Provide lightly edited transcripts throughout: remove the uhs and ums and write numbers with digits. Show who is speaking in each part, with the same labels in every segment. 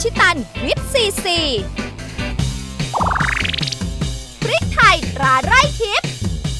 Speaker 1: ชิตันวิตซีซีพริกไทยตราไร่ทิพย์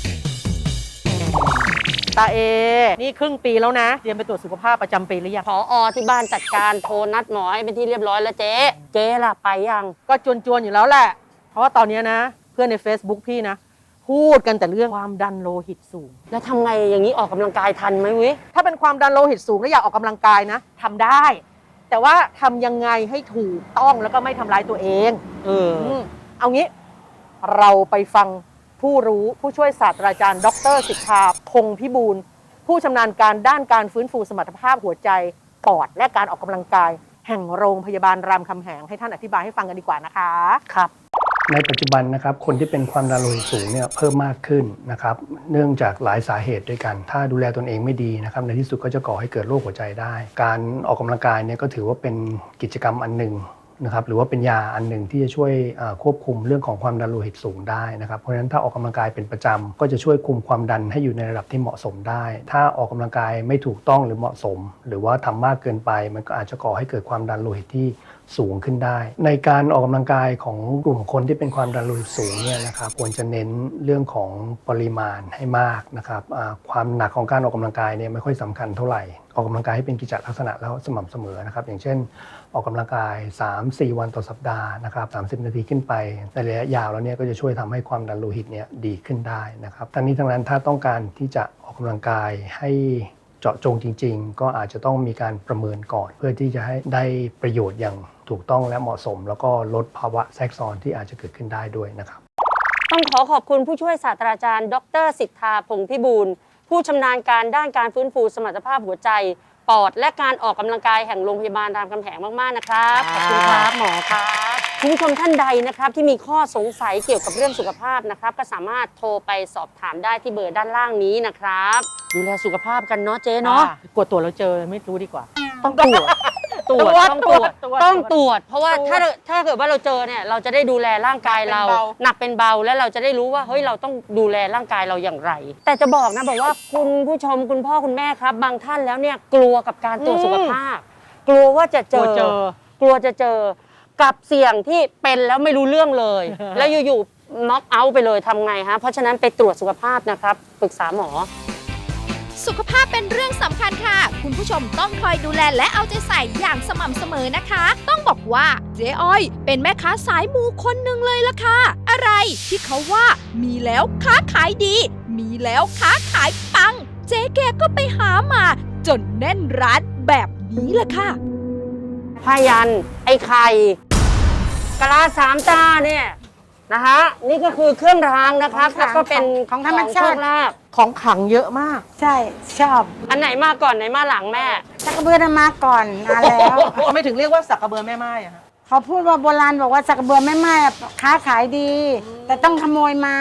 Speaker 2: ตาเอนี่ครึ่งปีแล้วนะเตรียมไปตรวจสุขภาพประจำปีหรือยัง
Speaker 3: ผอที่บ้านจัดการโทรนัดหมอให้เป็นที่เรียบร้อยแล้วเจ๊ล่ะไปยัง
Speaker 2: ก็จวนๆอยู่แล้วแหละเพราะว่าตอนนี้นะเพื่อนใน Facebook พี่นะพูดกันแต่เรื่องความดันโลหิตสูง
Speaker 3: แล้วทำไงอย่างนี้ออกกำลังกายทันไหมวิ
Speaker 2: ถ้าเป็นความดันโลหิตสูงแล้วอยากออกกำลังกายนะทำได้ แต่ว่าทำยังไงให้ถูกต้องแล้วก็ไม่ทำร้ายตัวเองเอางี้เราไปฟังผู้รู้ผู้ช่วยศาสตราจารย์ดร.สิทธาพงษ์พิบูลผู้ชำนาญการด้านการฟื้นฟูสมรรถภาพหัวใจปอดและการออกกำลังกายแห่งโรงพยาบาลรามคำแหงให้ท่านอธิบายให้ฟังกันดีกว่านะคะ
Speaker 3: ครับ
Speaker 4: ในปัจจุบันนะครับคนที่เป็นความดันโลหิตสูงเนี่ยเพิ่มมากขึ้นนะครับเนื่องจากหลายสาเหตุด้วยกันถ้าดูแลตนเองไม่ดีนะครับในที่สุดก็จะก่อให้เกิดโรคหัวใจได้การออกกำลังกายเนี่ยก็ถือว่าเป็นกิจกรรมอันหนึ่งนะครับหรือว่าเป็นยาอันหนึ่งที่จะช่วยควบคุมเรื่องของความดันโลหิตสูงได้นะครับเพราะฉะนั้นถ้าออกกำลังกายเป็นประจำก็จะช่วยคุมความดันให้อยู่ในระดับที่เหมาะสมได้ถ้าออกกำลังกายไม่ถูกต้องหรือเหมาะสมหรือว่าทำมากเกินไปมันก็อาจจะก่อให้เกิดความดันโลหิตที่สูงขึ้นได้ในการออกกำลังกายของกลุ่มคนที่เป็นความดันโลหิตสูงเนี่ยนะครับควรจะเน้นเรื่องของปริมาณให้มากนะครับความหนักของการออกกำลังกายเนี่ยไม่ค่อยสำคัญเท่าไหร่ออกกำลังกายให้เป็นกิจลักษณะแล้วสม่ำเสมอนะครับอย่างเช่นออกกำลังกาย 3-4 วันต่อสัปดาห์นะครับ30 นาทีขึ้นไปในระยะยาวแล้วเนี่ยก็จะช่วยทำให้ความดันโลหิตเนี่ยดีขึ้นได้นะครับทั้งนี้ทั้งนั้นถ้าต้องการที่จะออกกำลังกายให้เจาะจงจริงๆก็อาจจะต้องมีการประเมินก่อนเพื่อที่จะให้ได้ประโยชน์อย่างถูกต้องและเหมาะสมแล้วก็ลดภาวะแทรกซ้อนที่อาจจะเกิดขึ้นได้ด้วยนะครับ
Speaker 3: ต้องขอบคุณผู้ช่วยศาสตราจารย์ดร.สิทธาพงษ์พิบูลผู้ชำนาญการด้านการฟื้นฟูสมรรถภาพหัวใจปอดและการออกกำลังกายแห่งโรงพยาบาลรามคำแหงมากๆนะครับขอบคุณครับหมอครับคุณผู้ชมท่านใดนะครับที่มีข้อสงสัยเกี่ยวกับเรื่องสุขภาพนะครับก็สามารถโทรไปสอบถามได้ที่เบอร์ด้านล่างนี้นะครับดูแลสุขภาพกันเนาะเจ๊เนาะ
Speaker 2: กดตรวจแล้วเจอไม่รู้ดีกว่า
Speaker 3: ต้องตรวจต้องตรวจเพราะว่าถ้าเกิดว่าเราเจอเนี่ยเราจะได้ดูแลร่างกายเราหนักเป็นเบาและเราจะได้รู้ว่าเฮ้ยเราต้องดูแลร่างกายเราอย่างไรแต่จะบอกนะบอกว่าคุณผู้ชมคุณพ่อคุณแม่ครับบางท่านแล้วเนี่ยกลัวกับการตรวจสุขภาพกลัวว่าจะเจอกลัวจะเจอกับเสี่ยงที่เป็นแล้วไม่รู้เรื่องเลยแล้วอยู่ๆน็อกเอาท์ไปเลยทำไงฮะเพราะฉะนั้นไปตรวจสุขภาพนะครับปรึกษาหมอ
Speaker 1: สุขภาพเป็นเรื่องสำคัญค่ะคุณผู้ชมต้องคอยดูแลและเอาใจใส่อย่างสม่ำเสมอนะคะต้องบอกว่าเจ๊อ้อยเป็นแม่ค้าสายมูคนหนึ่งเลยล่ะค่ะอะไรที่เขาว่ามีแล้วค้าขายดีมีแล้วค้าขายปังเจ๊แกก็ไปหามาจนแน่นร้านแบบนี้ล่ะค่ะ
Speaker 3: ผ้ายันไอ้ไข่กะลาสามตาเนี่ยนะฮะนี่ก็คือเครื่องรางนะครับแล้วก็เป็น
Speaker 5: ของธรรมชาติ
Speaker 2: ของขังเยอะมาก
Speaker 5: ใช่ชอบ
Speaker 3: อันไหนมาก่อนไหนมาหลังแม่
Speaker 5: สักกระเบือมาก่อนนานแล้ว
Speaker 2: ไม่ถึงเรียกว่าสักกระเบือแม่ไม้อะ
Speaker 5: เขาพูดว่าโบราณบอกว่าสักกระเบือแม่ไม้ค้าขายดีแต่ต้องขโมยมา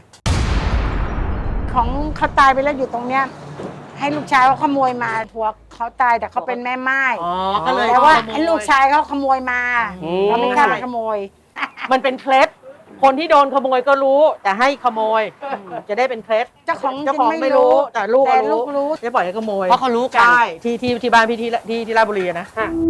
Speaker 5: ของเขาตายไปแล้วอยู่ตรงเนี้ยให้ลูกชายเขาขโมยมาผัวเขาตายแต่เขาเป็นแม่ไม้
Speaker 2: ก็เลย
Speaker 5: แต่ว่าให้ลูกชายเขาขโมยมาเขาไม่กล้าขโมย
Speaker 2: มันเป็นเคล็ดคนที่โดนขโมยก็รู้แต่ให้ขโมยจะได้เป็นเคล็ด
Speaker 5: เจ้าของ
Speaker 2: ไม่รู้แต่ลูกรู้จะปล่อยให้ขโมย
Speaker 3: เพราะเขารู้กัน
Speaker 2: ใช่ที่บ้านพี่ที่ราชบุรีนะ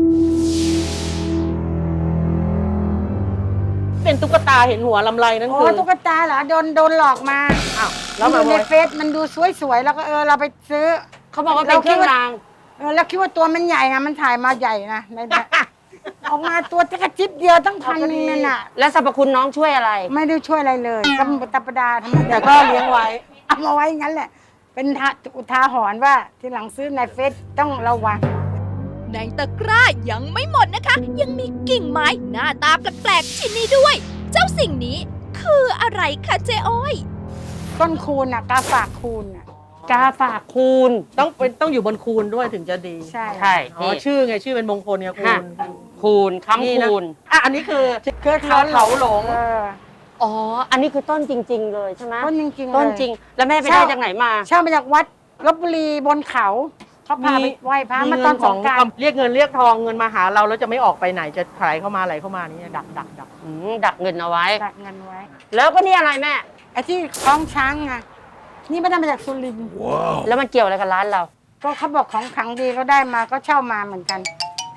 Speaker 2: เป็นตุ๊กตาเห็นหัวลำไรนั่นคือ
Speaker 5: ตุ๊กตาเหรอโดนหลอกมาแล้วในเฟซมันดูสวยๆแล้วก็เราไปซื้อ
Speaker 3: เขาบอกว่าเป็นเครื่องราง
Speaker 5: แล้วคิดว่าตัวมันใหญ่ไงมันถ่ายมาใหญ่นะในออกมาตัวจะกระจิบเดียวตั้งพันนึงนั่นน่ะ
Speaker 3: แล้วสรรพคุณน้องช่วยอะไร
Speaker 5: ไม่ได้ช่วยอะไรเลยธรรมดา
Speaker 2: แต่ก็เลี้ยงไว้
Speaker 5: เอามาไว้งั้นแหละเป็นอุทาหรณ์ว่าทีหลังซื้อในเฟซต้องระวัง
Speaker 1: ในตะกร้ายังไม่หมดนะคะยังมีกิ่งไม้หน้าตาแปลกๆชิ้นนี้ด้วยเจ้าสิ่งนี้คืออะไรคะเจ๊อ้อย
Speaker 5: ต้นคูณกาฝากคูณ
Speaker 3: กาฝากคูณ
Speaker 2: ต้องอยู่บนคูณด้วยถึงจะดี
Speaker 5: ใช่
Speaker 2: ชื่อไงชื่อเป็นมงคลไง
Speaker 3: คูณค้ำคูณ
Speaker 2: อันนี้คือเขาหลง
Speaker 3: อ๋ออันนี้คือต้นจริงๆเลยใช่ไหม
Speaker 5: ต้นจริง
Speaker 3: ๆต้นจริงแล้วแม่ไปได้จากไหนมา
Speaker 5: เช่ามาจากวัดลพบุรีบนเขาเขาพาไปไหว้พระมาตอนสงกรานต์
Speaker 2: เรียกเงินเรียกทองเงินมาหาเราแล้วจะไม่ออกไปไหนจะไหลเข้ามาไหลเข้ามานี่ดัก
Speaker 3: ดักเงินเอาไว้
Speaker 5: ดักเงินไว้
Speaker 3: แล้วก็นี่อะไรแม่
Speaker 5: ไอ้ที่คล้องช้างไงนี่ไม่ได้มาจากสุรินทร์
Speaker 3: แล้วมันเกี่ยวอะไรกับร้านเรา
Speaker 5: ก็เขาบอกของขังดีก็ได้มาก็เช่ามาเหมือนกัน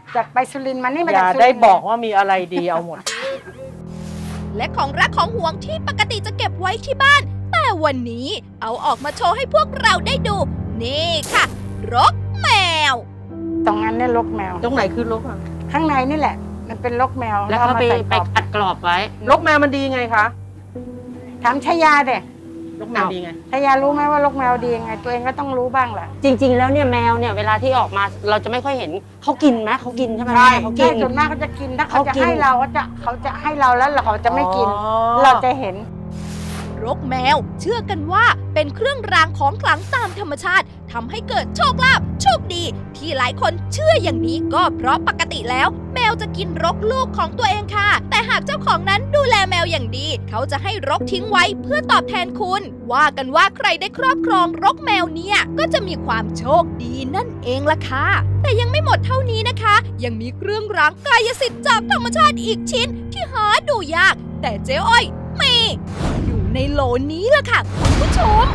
Speaker 5: จากไปสุรินทร์มานี่มา
Speaker 2: อย่า
Speaker 5: จากสุรินทร์
Speaker 2: ได้บอกว่ามีอะไรดีเอาหมด
Speaker 1: และของรักของห่วงที่ปกติจะเก็บไว้ที่บ้าน แต่วันนี้เอาออกมาโชว์ให้พวกเราได้ดู นี่ค่ะ รกแมว
Speaker 5: ตรงนั้นเนี่ยรกแมว
Speaker 2: ตรงไหนคือรกอ่ะ
Speaker 5: ข้างในนี่แหละ มันเป็นรกแมว
Speaker 3: แล้วเขาไป
Speaker 5: อมใส่กรอบ
Speaker 3: อัดกรอบไว้
Speaker 2: รกแมวมันดีไงคะ
Speaker 5: ถามชายาเด็
Speaker 2: รกแมวดีไง
Speaker 5: ชายารู้ไหมว่ารกแมวดียังไง ตัวเองก็ต้องรู้บ้างแหละ
Speaker 3: จริง ๆ แล้วเนี่ยแมวเนี่ยเวลาที่ออกมาเราจะไม่ค่อยเห็นเขากินไหมเขากินใช่ไหม
Speaker 2: ใช่
Speaker 3: แม่เขากิ
Speaker 5: ใช่
Speaker 3: น
Speaker 5: ส่วนมากเขาจะกินถ้าเขา
Speaker 3: เขา
Speaker 5: จะ
Speaker 3: กิน
Speaker 5: ให้เราเขาจะให้เราแล้วเขาจะไม่กิน
Speaker 2: อ๋อ
Speaker 5: เราจะเห็น
Speaker 1: รกแมวเชื่อกันว่าเป็นเครื่องรางของขลังตามธรรมชาติทำให้เกิดโชคลาภโชคดี ที่หลายคนเชื่ออย่างนี้ก็เพราะปกติแล้ว แมวจะกินรกลูกของตัวเองค่ะ แต่หากเจ้าของนั้นดูแลแมวอย่างดี เขาจะให้รกทิ้งไว้เพื่อตอบแทนคุณ ว่ากันว่าใครได้ครอบครองรกแมวเนี่ยก็จะมีความโชคดีนั่นเองล่ะค่ะ แต่ยังไม่หมดเท่านี้นะคะ ยังมีเครื่องรางกายสิทธิ์จากธรรมชาติอีกชิ้นที่หาดูยาก แต่เจ๊อ้อยมีอยู่ในโหลนี้ล่ะค่ะคุณผู้ชม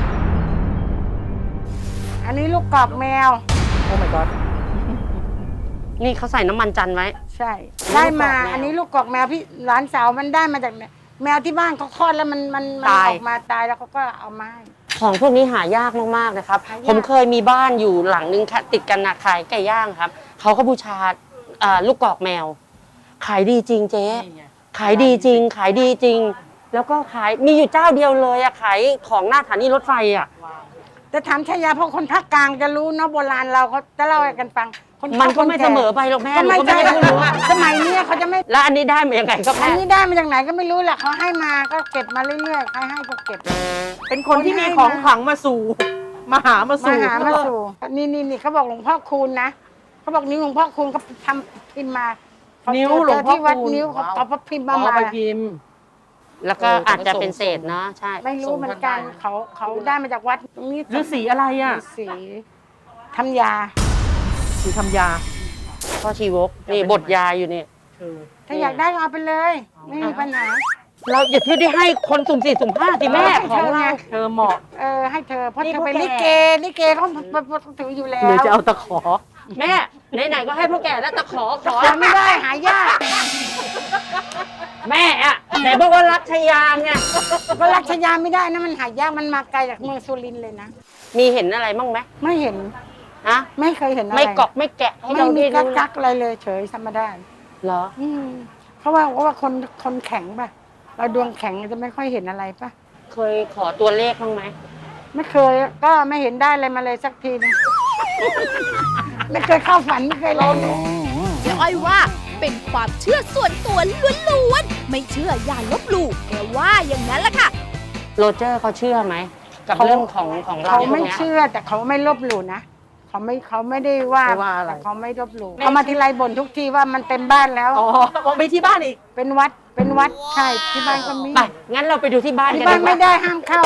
Speaker 5: อันนี้ลูกกรอกแมว
Speaker 2: โอ้ my god
Speaker 3: นี่เขาใส่น้ำมันจันทร์ไว้
Speaker 5: ใช่ ได้มา
Speaker 3: ลูกกรอกแมว
Speaker 5: อันนี้ลูกกรอกแมวพี่หลานสาวมันได้มาจากแมวที่บ้านเขาคลอดแล้วมันอ
Speaker 3: ตาย
Speaker 5: อกมาตายแล้วเขาก็เอามาให้
Speaker 3: ของพวกนี้หายากมากๆนะครับ
Speaker 5: หายาก
Speaker 3: ผมเคยมีบ้านอยู่หลังนึงค่ะติดกันนะขายไก่ย่างครับเขาก็บูชาลูกกรอกแมว ขายดีจริงเจ๊
Speaker 2: นี่ไง
Speaker 3: ขายดีจริง ขายดีจริง แล้วก็ขายมีอยู่เจ้าเดียวเลยอะขายของหน้าสถานีรถไฟอะ
Speaker 5: แต่ถามชายาเพราะคนภาคกลางจะรู้เนาะโบราณเราเขาจะเล่าให้กันฟังคน
Speaker 3: มันก็ไม่
Speaker 5: แก่
Speaker 3: เสมอไปหรอกแม่
Speaker 5: ก็
Speaker 3: หนู
Speaker 5: ไม่
Speaker 3: ก็ไม่
Speaker 5: ใช่
Speaker 3: ได้รู้อะ
Speaker 5: สมัยเนี้ยเขาจะไม่
Speaker 3: แล้วอันนี้ได้มายังไงก็
Speaker 5: อั
Speaker 3: แม่
Speaker 5: นนี้ได้มาจากไหนก็ไม่รู้แหละเขาให้มาก็เก็บมาเรื่อยๆใครให้ก็เก็บ
Speaker 2: เป็นคนที่มีของขลังมาสู่ มาหามา
Speaker 5: มา
Speaker 2: สู่
Speaker 5: หามาสู่นี่เขาบอกหลวงพ่อคูณนะเขาบอกนิ้วหลวงพ่อคูณเขาทำพิมพ์มาเขา
Speaker 2: นิ้ว
Speaker 5: เจอ
Speaker 2: หลวงพ่อ
Speaker 5: ที่วัด
Speaker 2: คูณ
Speaker 5: นิ้วเขาพิมพ์มา
Speaker 2: เอาไปพิมพ์
Speaker 3: แล้วก็อาจจะเป็นเศษนะใช่
Speaker 5: ไม่รู้เหมือนกันเขาได้มาจากวัดตรงนี้
Speaker 2: ฤาษีอะไรอ่ะ
Speaker 5: ฤาษีทำยา
Speaker 2: สีทำยา
Speaker 3: พ่อชีวกนี่บทยาอยู่นี่
Speaker 5: ถ้าอยากได้ก็เอาไปเลย ไม่มีปัญหา
Speaker 3: เราอย่าที่ได้ให้คนสุ่มสี่สุ่มห้าสิแม่ของเรา
Speaker 2: เธอเหมาะ
Speaker 5: ให้เธอเพราะ
Speaker 3: นี่
Speaker 5: เธอเป็น
Speaker 3: พวก
Speaker 5: ลิ
Speaker 3: แก
Speaker 5: เกเขาถืออยู่แล้ว
Speaker 2: หรือจะเอาตะขอ
Speaker 3: แม่ไหนๆก็ให้พวกแกแล้วตะขอ
Speaker 5: ขอไม่ได้หายาก
Speaker 3: แม่อะไหนบอกว่ารักชยาไง
Speaker 5: ก็รัชยาไม่ได้นะมันหายากมันมาไกลจากเมืองสุรินทร์เลยนะ
Speaker 3: มีเห็นอะไรบ้างไหม
Speaker 5: ไม่เห็น
Speaker 3: ฮะ
Speaker 5: ไม่เคยเห็นอะไร
Speaker 3: ไม่กอกไม่แกะให้
Speaker 5: ไม่
Speaker 3: เรา
Speaker 5: มี
Speaker 3: ได้รู้
Speaker 5: กักอะไรเลยเฉยธรรมดา
Speaker 3: เหรอ
Speaker 5: เพราะว่าคนแข็งป่ะ เราดวงแข็งจะไม่ค่อยเห็นอะไรป่ะ
Speaker 3: เคยขอตัวเลขบ้างไหม
Speaker 5: ไม่เคยก็ไม่เห็นได้อะไรมาเลยสักทีนึง ไม่เคยเข้าฝันไม่เคยเลย
Speaker 1: เจ๊อ้อยว่าเป็นความเชื่อส่วนตัวล้วนๆ ไม่เชื่ออย่าลบหลู่แกว่าอย่างนั้นล่ะค่ะ
Speaker 3: โรเจอร์เขาเชื่อไหมกับเรื่องของเรา
Speaker 5: เขา
Speaker 3: พว
Speaker 5: ไม่
Speaker 3: กเนี้ย
Speaker 5: เชื่อแต่เขาไม่ลบหลู่นะเขาไม่ได้ว่า
Speaker 2: ไม่ว่าอะไร
Speaker 5: แต่เขาไม่ลบหลู่เขามาทีไรบ่นทุกทีว่ามันเต็มบ้านแล้ว
Speaker 2: อ๋อมองไปที่บ้านอีก
Speaker 5: เป็นวัดใช่ที่บ้านก็มี
Speaker 3: ไปงั้นเราไปดูที่บ้าน
Speaker 5: ที่
Speaker 3: กัน
Speaker 5: บ้าน
Speaker 3: ดีก
Speaker 5: ไม่
Speaker 3: ว่า
Speaker 5: ได้ห้ามเข้า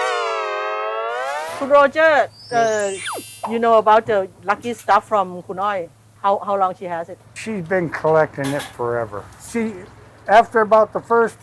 Speaker 2: คุณโรเจอร์ you know about the lucky stuff from คุณอ้อย how long she has it
Speaker 6: She's been collecting it forever. After about the first,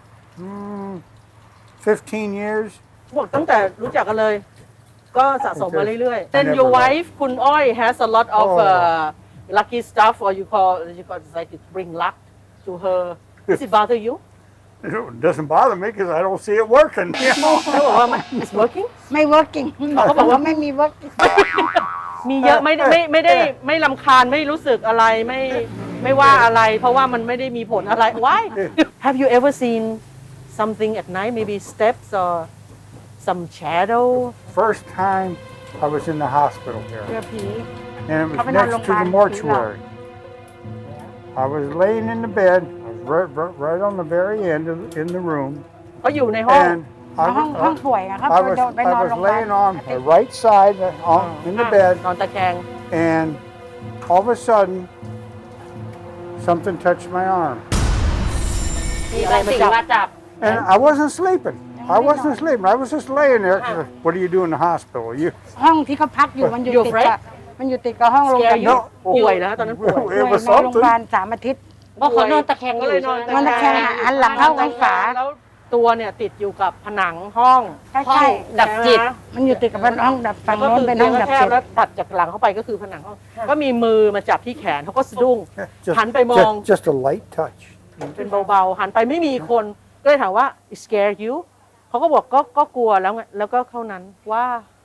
Speaker 6: 15 years,
Speaker 2: บอกตั้งแต่รู้จักกันเลย ก็สะสมมาเรื่อยๆ Then your wife คุณอ้อย has a lot of lucky stuff or you call like to bring luck to her does it bother you
Speaker 6: it doesn't bother me because I don't see it working.
Speaker 2: เขาบอกว่า it's working
Speaker 5: ไม่ working เขาบอกว่าไม่มี working
Speaker 2: มีเยอะไม่ได้ไม่รำคาญไม่รู้สึกอะไรไม่ว่าอะไร เพราะว่ามันไม่ได้มีผลอะไร Why Have you ever seen something at night maybe steps or some shadow
Speaker 6: First time I was in the hospital
Speaker 5: เจ
Speaker 6: here,
Speaker 5: อผี
Speaker 6: and it was
Speaker 5: Coming out
Speaker 6: next to the
Speaker 5: Lombard,
Speaker 6: mortuary. I was laying in the bed, I was right on the very end in the room,
Speaker 2: เขาอยู่ในห้อง
Speaker 6: and
Speaker 5: ห้องป่วยอะครับ
Speaker 6: I was
Speaker 5: ไปนอนโรงพยาบาล
Speaker 6: laying on the right side in the bed,
Speaker 2: นอนตะแคง
Speaker 6: and all of a sudden, something touched my arm.
Speaker 3: มีบางสิ่งมาจับ
Speaker 6: And I wasn't sleeping. I wasn't sleeping. I was just laying there. What do you do in the hospital? You
Speaker 5: ห้องที่เขาพักอยู่มันอยู่
Speaker 2: You're
Speaker 5: ติด
Speaker 2: afraid?
Speaker 5: กับมันอยู่ติดกับห้องโรงพยาบาล
Speaker 2: No ป่วยแล้วตอนนั้นป่วย
Speaker 6: it was
Speaker 5: นอนโรงพ
Speaker 6: something.
Speaker 5: ยาบาล3 อาทิตย์
Speaker 3: เพราะเขานอนตะแคงอ
Speaker 2: ก็
Speaker 3: ยู่
Speaker 2: เลยนอน
Speaker 3: ใช่ไหม
Speaker 5: นอนตะแคงหันหลังเข้าข้างฝา
Speaker 2: แล้วตัวเนี่ยติดอยู่กับผนังห้อง
Speaker 5: ใช่
Speaker 3: ห้องดับจิต
Speaker 2: ใช่ไหม
Speaker 5: มันอยู่ติดกับห้องดับฝั่ง
Speaker 2: ก็
Speaker 5: โน้น
Speaker 2: คือ
Speaker 5: เป็น
Speaker 2: เตี
Speaker 5: ห้
Speaker 2: ย
Speaker 5: อง ง
Speaker 2: ก็
Speaker 5: ดับ
Speaker 2: แค
Speaker 5: จิ
Speaker 2: บ
Speaker 5: ต
Speaker 2: แล้วตัดจากหลังเข้าไปก็คือผนังห้องก็มีมือมาจับที่แขนเขาก็สะดุ้ง
Speaker 6: Just,
Speaker 2: หันไปมอง
Speaker 6: just a light touch.
Speaker 2: เป็นเบาๆหันไปไม่มีคนก็เลยถามว่า It scare you เขาก็บอกก็กลัวแล้วไงแล้วก็เท่านั้นว่า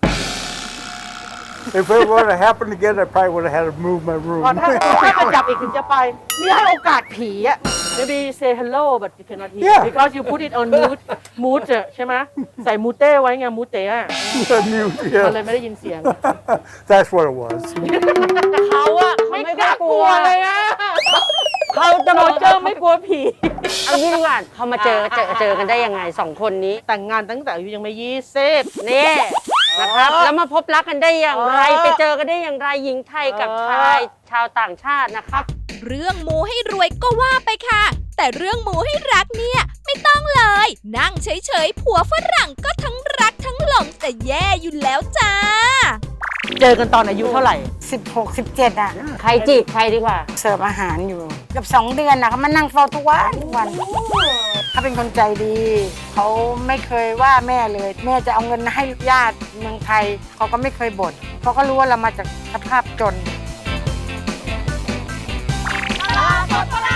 Speaker 6: If it would have happened again, I probably would have had to move my room.
Speaker 2: พอถ้ามาจับอีกถึงจะไปนี่ให้โอกาสผีอะ maybe say hello but you cannot hear
Speaker 6: Yeah.
Speaker 2: because you put it on mute ใช่ไหมใส่มูเต้ไว้ไงมูเต้อะ
Speaker 6: Mute,
Speaker 2: มันเลย
Speaker 6: yeah.
Speaker 2: ไม่ได้ยินเสียง
Speaker 6: That's what it was.
Speaker 3: เขาอะเขาไม่กล้ากลัว
Speaker 2: เลยอะ
Speaker 3: เขาจะ
Speaker 2: โร
Speaker 3: บอก
Speaker 2: เจอร์ไม่กลัวผี
Speaker 3: เอางี้ดีกว่าเขามาเจอกันได้ยังไงสองคนนี้
Speaker 2: แต่งงานตั้งแต่อายุยังไม่20
Speaker 3: นี่นะครับ แล้วมาพบรักกันได้อย่างไร
Speaker 2: เออ
Speaker 3: ไปเจอกันได้อย่างไรหญิงไทยกับชายชาวต่างชาตินะครับ
Speaker 1: เรื่องมูให้รวยก็ว่าไปค่ะ แต่เรื่องมูให้รักเนี่ยไม่ต้องเลย นั่งเฉยๆผัวฝรั่งก็ทั้งรักทั้งหลงแต่แย่อยู่แล้วจ้า
Speaker 2: เจอกันตอนอายุเท่าไหร่
Speaker 5: 16 17อ่ะ
Speaker 3: ใครจีบใครดีกว่า
Speaker 5: เสิร์ฟอาหารอยู่เกับ2 เดือนนะเขามานั่งเฝ้าทุกวันเขาเป็นคนใจดี เขาไม่เคยว่าแม่เลย แม่จะเอาเงินให้ญาติเมืองไทยเขาก็ไม่เคยบ่นเพราะเขารู้ว่าเรามาจากสภาพจน
Speaker 1: ตลาดสดพระ